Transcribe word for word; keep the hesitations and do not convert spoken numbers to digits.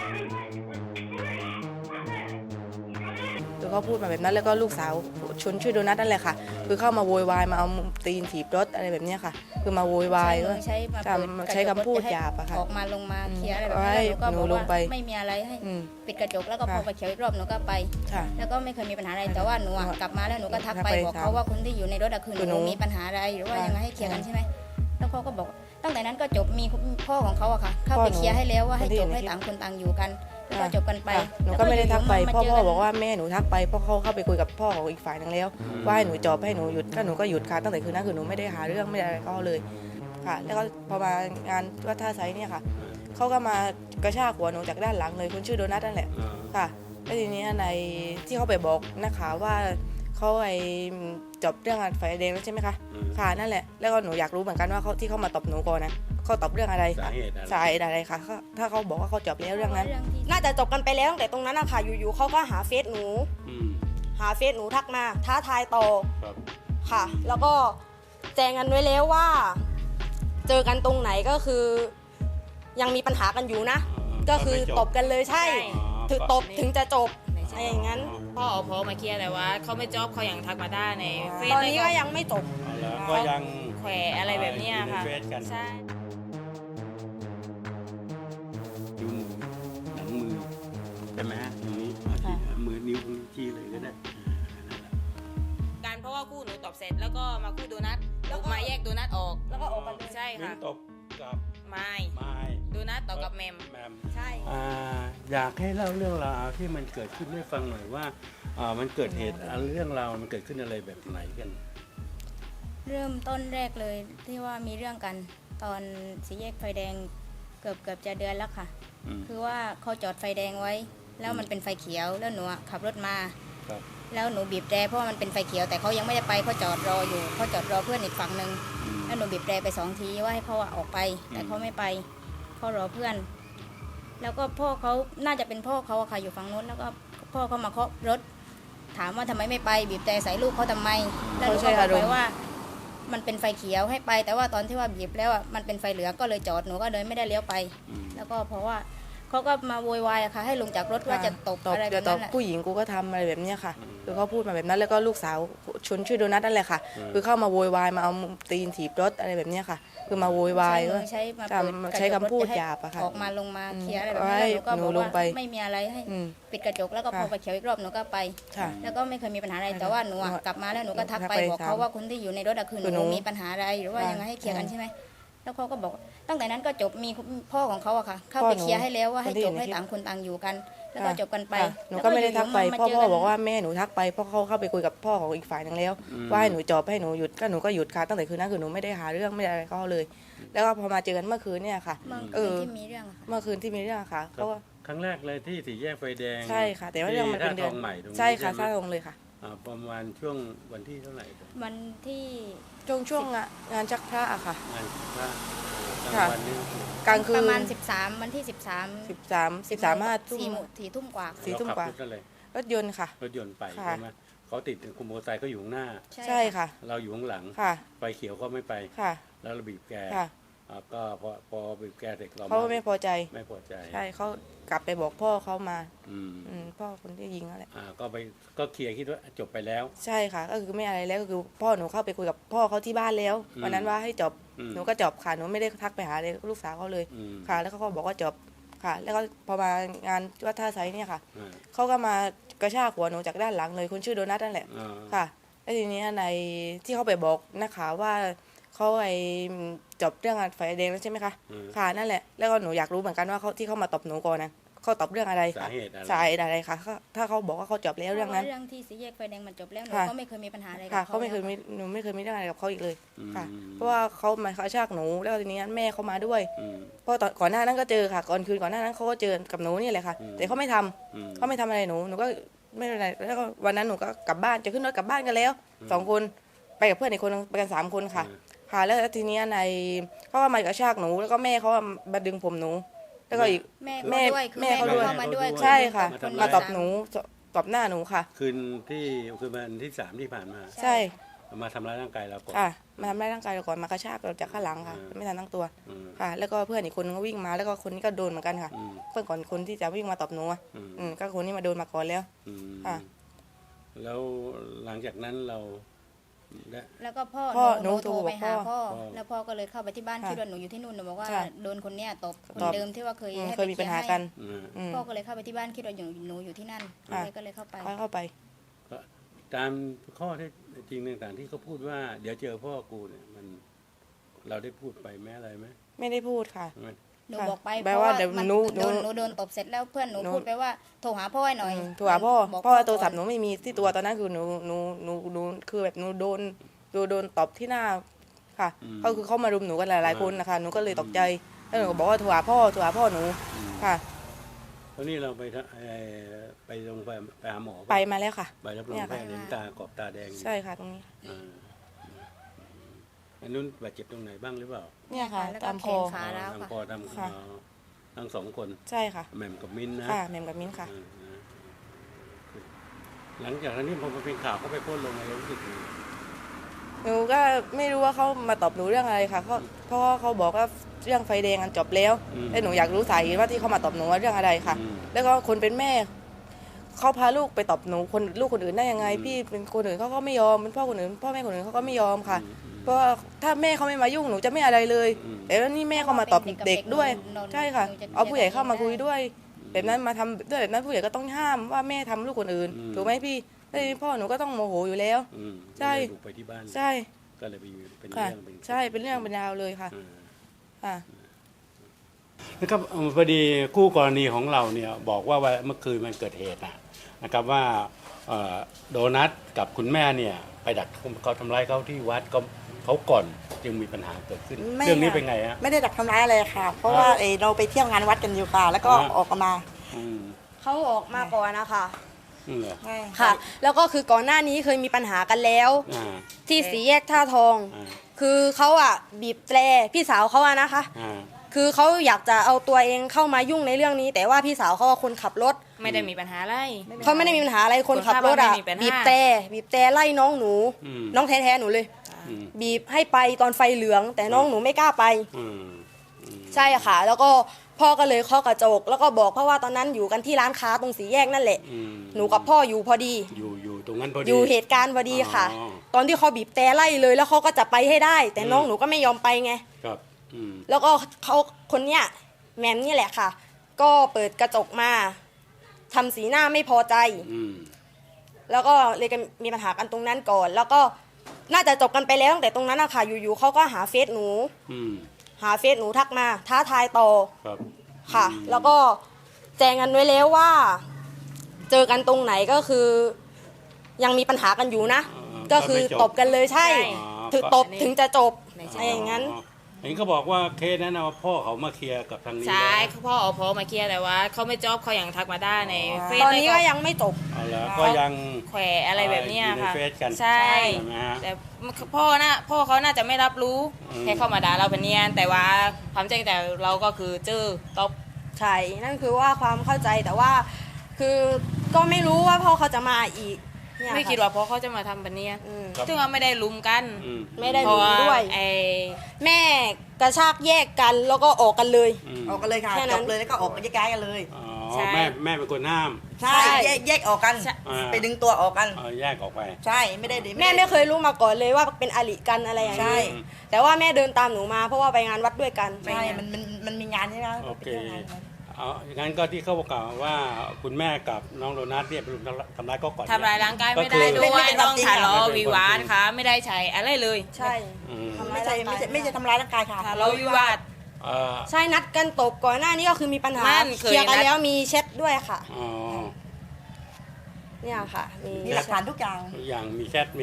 คือเขาพูดมาแบบนั้นแล้วก็ลูกสาวชนชื่อโดนัทนั่นแหละค่ะคือเข้ามาโวยวายมาเอาตีนถีบรถอะไรแบบนี้ค่ะคือมาโวยวายก็ใช้มาเปิดใช้คำพูดหยาบอะค่ะออกมาลงมาเคลียร์อะไรแบบให้นี้แล้วหนูก็หนูบอกลว่างไปไม่มีอะไรให้อืมปิดกระจกแล้วก็พอค่ะไปเขียวอีกรอบหนูก็ไปค่ะแล้วก็ไม่เคยมีปัญหาอะไรแต่ว่าหนูอะค่ะกลับมาแล้วหนูก็ทักทักไปไปบอกถามเขาว่าคนที่อยู่ในรถอะคือคือหหนูนูมีปัญหาอะไรหรือว่าค่ะยังไงให้เคลียร์กันค่ะใช่ไหมแล้วเขาก็บอกตั้งแต่นั้นก็จบมีพ่อของเขาอะค่ะ เข้าพ่อไปหนูเคลียร์ให้แล้วว่าให้คนที่จอยู่บในให้คลิปต่างคนต่างอยู่กันแล้วก็จบกันไปค่ะหนูแล้วก็ไม่ได้ทักไปอยู่ๆพ่อมพ่อเจนบอกว่าแม่หนูทักไปเพราะเขาเข้าไปคุยกับพ่อของอีกฝ่ายนึงแล้วว่าให้หนูจอบให้หนูหยุดก็หนูก็หยุดค่ะตั้งแต่คืนนั้นคือหนูไม่ได้หาเรื่องไม่ได้อะไรก็เลยค่ะ แล้วก็พอมางานวัดท่าไซเนี่ยค่ะเขาก็มากระชากหัวหนูจากด้านหลังเลยคนชื่อโดนัทนั่นแหละค่ะแล้วทีนี้ในที่เขาไปบอกนักข่าวว่าเขาไอ้จบเรื่องไฟแดงแล้วใช่ไหมคะค่ะนั่นแหละแล้วก็หนูอยากรู้เหมือนกันว่าเขาที่เขามาตบหนูก่อนนะเขาตบเรื่องอะไรสาเหตุอะไรสาเหตุอะไรคะเขาถ้าเขาบอกว่าเขาจบแล้วเรื่องนั้นเรื่องที่น่าจะจบกันไปแล้วตั้งแต่ตรงนั้นอะค่ะอยู่ๆเขาก็หาเฟซหนูอืมหาเฟซหนูทักมาท้าทายต่อครับค่ะ แล้วก็แจ้งกันไว้แล้วว่า เจอกันตรงไหนก็คือ ยังมีปัญหากันอยู่นะ ก็คือตบกันเลยใช่ ถึงตบถึงจะจบอะไรอย่างนั้นพ่อเอาพ่อมาเคลียร์แต่ว่าเขาไม่จอบเขายังทักมาได้ในเฟซตอนนี้ก็ยังไม่จบเอาละก็ยังแขวะอะไรแบบเนี้ยค่ะอยู่ในเฟซกันใช่ดูหนังมือใช่ไหมฮะตรงนี้เอาที่มือนิ้วชี้เลยก็ได้การเพราะว่าคู่หนูตอบเสร็จแล้วก็มาคู่โดนัทแล้วก็มาแยกโดนัทออกแล้วก็ออกกันเลยใช่มิ้ค่ะนตบกับไม่ไม้โดนัทต่อกับแมมแมมใช่อ่าอยากให้เล่าเรื่องราวที่มันเกิดขึ้นให้ฟังหน่อยว่าอ่ามันเกิดเหตุอ่าเรื่องราวมันเกิดขึ้นอะไรแบบไหนกันเริ่มต้นแรกเลยที่ว่ามีเรื่องกันตอนสี่แยกไฟแดงเกือบเกือบจะเดือนแล้วค่ะอืมคือว่าเขาจอดไฟแดงไว้ แล้วมันเป็นไฟเขียวแล้วหนูอะขับรถมาครับแล้วหนูบีบแตรเพราะว่ามันเป็นไฟเขียวแต่เขายังไม่ได้ไปเขาจอดรออยู่เขาจอดรอเพื่อนอีกฝั่งหนึ่งอืมแล้วหนูบีบแตรไปสองทีว่าให้เขาอะออกไป แต่เขาไม่ไปเขารอเพื่อน แล้วก็พ่อเขาน่าจะเป็นพ่อเขาอะค่ะอยู่ฝั่งนู้นแล้วก็พ่อเขามาเคาะรถ ถามว่าทำไมไม่ไป บีบแตรใส่ลูกเขาทำไมแล้วหนูเขาใช้ก็บอกอารมไปณ์ว่า มันเป็นไฟเขียวให้ไป แต่ว่าตอนที่ว่าบีบแล้วอะมันเป็นไฟเหลืองก็เลยจอดหนูก็เลยไม่ได้เลี้ยวไปอืมแล้วก็เพราะว่าเขาก็มาโวยวายอะค่ะ ให้ลงจากรถว่าจะตบตบอะไรแบจะบตนั้บนแหละผู้หญิงกูก็ทำอะไรแบบเนี้ยค่ะคือเขาพูดมาแบบนั้นแล้วก็ลูกสาวชนชื่อโดนัทนั่นแหละค่ะอืมคือเข้ามาโวยวายมาเอาตีนถีบรถอะไรแบบเนี้ยค่ะ คือมาโวยวายใช้มืก็อใช้มาทำเปิดกระจกใช้คำพูดรถจะให้หยาบอะค่ะออกมาลงมาอืมเคลียร์อะไรแบบนี้ให้แล้วหนูก็หนูบอกลว่างไปไม่มีอะไรให้อืมปิดกระจกแล้วก็พอค่ะไปเขียวอีกรอบหนูก็ไปค่ะแล้วก็ไม่เคยมีปัญหาอะไรแต่ว่าหนูอะหนูกลับมาแล้วหนูก็ทักไปทักไปบอกเขาถามว่าคนที่อยู่ในรถอะคือคือหหนูนูมีปัญหาอะไรหรือว่าค่ะยังไงให้เคลียร์กันอืมใช่ไหมแล้วเขาก็บอกตั้งแต่นั้นก็จบมีพ่อของเขาอะค่ะ เข้าพ่อไปหนูเคลียร์ให้แล้วว่าคนให้ที่จอยู่บในให้คลิปต่างคนต่างอยู่กัน แล้วก็ค่ะจบกันไปค่ะหนูก็ไม่ได้ทักไปแล้วพ่ออยู่พ่อๆบอกว่าแม่หนูทักไปเพราะเขาเข้าไปคุยกับพ่อของอีกฝ่ายนึงแล้วอืมว่าให้หนูจอบให้หนูหยุดก็หนูก็หยุดค่ะตั้งแต่คืนนั้นคือหนูไม่ได้หาเรื่องไม่ได้อะไรก็เลย แล้วก็พอมาเจอกันเมื่อคืนเนี่ยค่ะเมื่อเอคืนอที่มีเรื่องอะค่ะเมื่อคืนที่มีเรื่องค่ะเขาว่าครั้งแรกเลยที่สี่แยกไฟแดงใช่ค่ะ แต่ว่าเรื่องมันเป็นเดือนที่ท่าทองใหม่ตรงนี้ใช่ค่ะไหมท่าทองเลยค่ะอ่าประมาณช่วงวันที่เท่าไหร่ครับวันที่ช่วงช่วงงานงานชักพระอะค่ะงานพระกลางค่ะวันนี้กลางคืนประมาณสิบสามวันที่สิบสามสิบสามสิบสามห้าทุ่สี่มโมงสี่ทุ่มกว่าสี่ทุ่มกว่าเรขับรถอะไรรถยนต์ค่ะรถยนต์ไปค่ะใช่ไหมเขาติดคุมโมอเตอร์ไซค์ก็อยู่ข้างหน้าใช่ค่ะเราอยู่ข้างหลังค่ะไฟเขียวก็ไม่ไปค่ะแล้วเราบีบแกค่ะอ่าก็พอพอบีบแกเสร็จเราเขาไม่พอใจไม่พอใจใช่เขากลับไปบอกพ่อเขามาอืมอืมพ่อคนที่ยิงนั่นแหละอ่าก็ไปก็เคลียร์คิดว่าจบไปแล้วใช่ค่ะ ก็คือไม่อะไรแล้วก็คือพ่อหนูเข้าไปคุยกับพ่อเขาที่บ้านแล้วอืมวันนั้นว่าให้จบอืมหนูก็จบค่ะหนูไม่ได้ทักไปหาเลยลูกสาวเขาเลยอืมค่ะ แล้วเขาก็บอกว่าจบค่ะ แล้วก็พอมางานวัดท่าไซเนี่ยค่ะอ่าเขาก็มากระชากหัวหนูจากด้านหลังเลยคนชื่อโดนัทนั่นแหละอ่าค่ะแล้วทีนี้ในที่เขาไปบอกนักข่าวว่าเขาไอ้จบเรื่องไฟแดงแล้วใช่ไหมคะอืมค่ะนั่นแหละแล้วก็หนูอยากรู้เหมือนกันว่าเขาที่เขามาตบหนูก่อนนะเขาตบเรื่องอะไรสาเหตุอะไรสาเหตุอะไรคะเขาถ้าเขาบอกว่าเขาจบแล้วเรื่องนั้นเรื่องที่สี่แยกไฟแดงมันจบแล้วหนูค่ะก็ไม่เคยมีปัญหาอะไรกับค่ะเขาเขาไม่เคยแล้วมีหนูไม่เคยมีเรื่องอะไรกับเขาอีกเลยอืมค่ะ เพราะว่าเขามากระชากหนูแล้วทีนี้แม่เขามาด้วยอืมเพราะตอนก่อนหน้านั้นก็เจอค่ะก่อนคืนก่อนหน้านั้นเขาก็เจอกับหนูนี่แหละค่ะอืมแต่เขาไม่ทำอืมเขาไม่ทำอะไรหนูหนูก็ไม่เป็นไรแล้วก็วันนั้นหนูก็กลับบ้านจะขึ้นรถกลับบ้านกันแล้วสองคนไปกับเพื่อนอีกคนนึงไปกันสามคนค่ะอืมค่ะแล้วทีนี้ในเขาก็มากระชากหนูแล้วก็แม่เขามาดึงผมหนู แล้วก็อีกแม่แม่เขาด้วยคือแม่แม่เขาเขาด้วยเข้ามาด้วยใช่ค่ะนมาที่ตบสหนูตบหน้าหนูค่ะคืนที่คืนวันที่สามที่ผ่านมาใช่มาทำร้ายร่างกายเราก่อนค่ะมาทำร้ายร่างกายเราก่อนมากระชากเราจากข้างหลังค่ะอืมไม่ทันตั้งตัวอืมค่ะ แล้วก็เพื่อนอีกคนนึงก็วิ่งมาแล้วก็คนนี้ก็โดนเหมือนกันค่ะอืมเพื่อนก่อนคนที่จะวิ่งมาตบหนูอะอืมอืมก็คนนี้มาโดนมาก่อนแล้วอืมค่ะแล้วหลังจากนั้นเราได้แล้วก็พ่อพ่อหนูหนูโทรไปหาโทรบอกพ่พ่ออ แล้วพ่อก็เลยเข้าไปที่บ้านค่ะคิดว่าหนูอยู่ที่นู่นหนูบอกว่าค่ะโดนคนเนี้ยตบคนตบเดิมที่ว่าเคยอืมให้เคยมีปัญหากันอืมอืมพ่อก็เลยเข้าไปที่บ้านคิดว่าอยู่หนูอยู่ที่นั่นค่ะเลยก็เลยเข้าไปเขาเข้าไปก็ตามข้อเท็จจริงต่างๆที่เขาพูดว่า เดี๋ยวเจอพ่อกูเนี่ยมันเราได้พูดไปแม้อะไรไหมไม่ได้พูดค่ะมันหนูค่ะบอกไปแปลเพราะว่าว่าเดี๋ยวมันหนูโดนหนูหนูโดนตบเสร็จแล้วเพื่อนหนูหนูพูดไปว่าโทรหาพ่อให้หน่อยอืมโทรหาพ่อบอกพ่อโทรก่นศัพท์หนูไม่มีที่ตัวตอนนั้นคือหนูหนูหนูหนูคือแบบหนูโดนโดนโดนตบที่หน้าค่ะก็คือเขามารุมหนูกันหลายๆคนนะคะหนูก็เลยตกใจแล้วหนูก็บอกว่าโทรหาพ่อโทรหาพ่อหนูอืมค่ะแล้วนี่เราไปทะเอ่อไปโรงพยาบาลไปหาหมอไปมาแล้วค่ะใบรับรองเนี่ยแพค่ะทย์เห็นตากรอบตาแดงอยู่ใช่ค่ะตรงนี้อ่าอันนู้นบาดเจ็บตรงไหนบ้างหรือเปล่าเนี่ยค่ะแล้วก็ตามแขคอนขาแล้วทางค่ะคอทางค่ะอ๋อทั้งสองคนใช่ค่ะแหม่มกับมิ้นท์นะค่ะแหม่มกับมิ้นท์ค่ะอ่านะหลังจากนั้นนี่พอมันเป็นข่าวเขาไปโพสต์ลงอะไรรู้สึกยังไงหนูก็ไม่รู้ว่าเขามาตอบหนูเรื่องอะไรค่ะเขาเพราะว่าเขาบอกว่าเรื่องไฟแดงกันจบแล้วแล้วหนูอยากรู้สาเหตุว่าที่เขามาตอบหนูว่าเรื่องอะไรค่ะอืมแล้วก็คนเป็นแม่เขาพาลูกไปตอบหนูคนลูกคนอื่นได้ยังไง พี่เป็นคนอื่นเขาก็ไม่ยอมเป็นพ่อคนอื่นพ่อแม่คนอื่นเขาก็ไม่ยอมค่ะ เพราะว่าถ้าแม่เขาไม่มายุ่งหนูจะไม่อะไรเลย แต่ว่านี่แม่เขามาตอบเด็กด้วย ใช่ค่ะ เอาผู้ใหญ่เข้ามาคุยด้วย แบบนั้นมาทำด้วยแบบนั้นผู้ใหญ่ก็ต้องห้ามว่าแม่ทำลูกคนอื่นถูกไหมพี่แล้วทีนี้พ่อหนูก็ต้องโมโหอยู่แล้วอืมใช่ก็เลยบุกไปที่บ้านใช่ก็เลยไปอยู่เป็นค่ะเรื่องเป็นใช่เป็นเรื่องเป็นราวเลยค่ะอ่าค่ะนะครับเอ่อพอดีคู่กรณีของเราเนี่ยบอกว่าวันเมื่อคืนมันเกิดเหตุนะนะครับว่าเอ่อโดนัทกับคุณแม่เนี่ยไปดักเขาทำร้ายเขาที่วัดก็เขาก่อนจึงมีปัญหาเกิดขึ้นไม่เรื่องนี้ค่ะเป็นไงฮะไม่ได้ดักทำร้ายอะไรค่ะ เพราะว่าอ่าเอ่อเราไปเที่ยวงานวัดกันอยู่ค่ะ แล้วก็อ่าออกมาอืมเขาออกมาก่อนนะคะอืมเหรอค่ะ แล้วก็คือก่อนหน้านี้เคยมีปัญหากันแล้วอ่าที่สี่แยกท่าทองอ่าคือเขาอ่ะบีบแตรพี่สาวเขาอะนะคะอ่าคือเขาอยากจะเอาตัวเองเข้ามายุ่งในเรื่องนี้ แต่ว่าพี่สาวเขาอะคนขับรถไม่ได้มีปัญหาอะไรเขาไม่ได้มีปัญหาอะไรคนขับรถอ่ะคนขับรถไม่มีปัญหาบีบแตรบีบแตรไล่น้องหนูอืมน้องแท้ๆหนูเลยอืมบีบให้ไปตอนไฟเหลือง แต่น้องหนูไม่กล้าไปอืมอืมใช่ค่ะ แล้วก็พ่อก็เลยเคาะกระจก แล้วก็บอกเพราะว่าตอนนั้นอยู่กันที่ร้านค้าตรงสีแยกนั่นแหละอืมหนูกับพ่ออยู่พอดีอยู่อยู่ตรงนั้นพอดีอยู่เหตุการณ์พอดีค่ะอ๋อตอนที่เขาบีบแต่ไล่เลย แล้วเขาก็จะไปให้ได้ แต่อืมน้องหนูก็ไม่ยอมไปไงครับอืมแล้วก็เขาคนเนี้ยแหมมนี่แหละค่ะ ก็เปิดกระจกมาทำสีหน้าไม่พอใจอืมแล้วก็เลยกันมีปัญหากันตรงนั้นก่อน แล้วก็น่าจะจบกันไปแล้วตั้งแต่ตรงนั้นอะค่ะอยู่ๆเขาก็หาเฟซหนูอืมหาเฟซหนูทักมา ท้าทายต่อครับค่ะ แล้วก็แจ้งกันไว้แล้วว่า เจอกันตรงไหนก็คือ ยังมีปัญหากันอยู่นะ ก็คือตบกันเลยใช่อ๋อถึงตบถึงจะจบไม่ใช่อะไรอย่างนั้นอ๋อเห็นเขาบอกว่าเคสนั้นนะว่าพ่อเขามาเคลียร์กับทางนี้ใช่แล้วพ่อเอาพ่อมาเคลียร์แต่ว่าเขาไม่จอบเขายังทักมาได้ในเฟซตอนนี้แล้วก็ยังไม่จบเอาละก็ยังแขวะอะไรแบบเนี้ยอยู่ในค่ะเฟซกันใช่ใช่ไหมฮะแต่พ่อน่ะพ่อเขาน่าจะไม่รับรู้อืมแค่เข้ามาด่าเราเป็นเนียนแต่ว่าความจริงแต่เราก็คือเจอตบใช่ นั่นคือว่าความเข้าใจแต่ว่า คือก็ไม่รู้ว่าพ่อเขาจะมาอีกเนี่ยไม่ค่ะคิดว่าพ่อเขาจะมาทำแบบเนี้ยอืมครับซึ่งว่าไม่ได้ลุมกันอืมไม่ได้เพราะว่าด้วยไอ้แม่กระชากแยกกันแล้วก็ออกกันเลยอืมออกกันเลยค่ะแค่นั้จนบเลยแล้วก็ออกแยกย้ายกันเลยอ๋อใช่แม่แม่เป็นคนห้ามใช่ใช่แยกแยกออกกันอ่าไปดึงตัวออกกันเอาแยกออกไปใช่ไม่ได้แม่ไม่เคยรู้มาก่อนเลยว่าเป็นอริกันอะไรอย่างใช่นี้แต่ว่าแม่เดินตามหนูมาเพราะว่าไปงานวัดด้วยกันใช่มันมันมันมีงานใช่ไหมโอเคไปที่ยวงานกันเอาอย่างนั้นก็ที่เขาบอกกล่าวว่าคุณแม่กับน้องโดนัทเนี่ยเป็นทำร้ายก็ก่อนทำร้ายร่างกายไม่ก็ได้คือด้วยต้องทะเลาะไม่เป็นความจริงวิวาทค่ะ ไม่ได้ใช้อะไรเลยใช่อืมทำร้าไม่ยใช่ร่างกายไม่ใช่ไม่ใช่ทำร้ายร่างกายค่ะทะเลาะวิวาทเอ่อใช่นัดกันตบก่อนหน้านี้ก็คือมีปัญหานั่นเคยเคลียร์กันนัดแล้วมีแชทด้วยค่ะอ๋อเนี่ยค่ะมีมีหลักฐานทุกอย่างอย่างมีแชท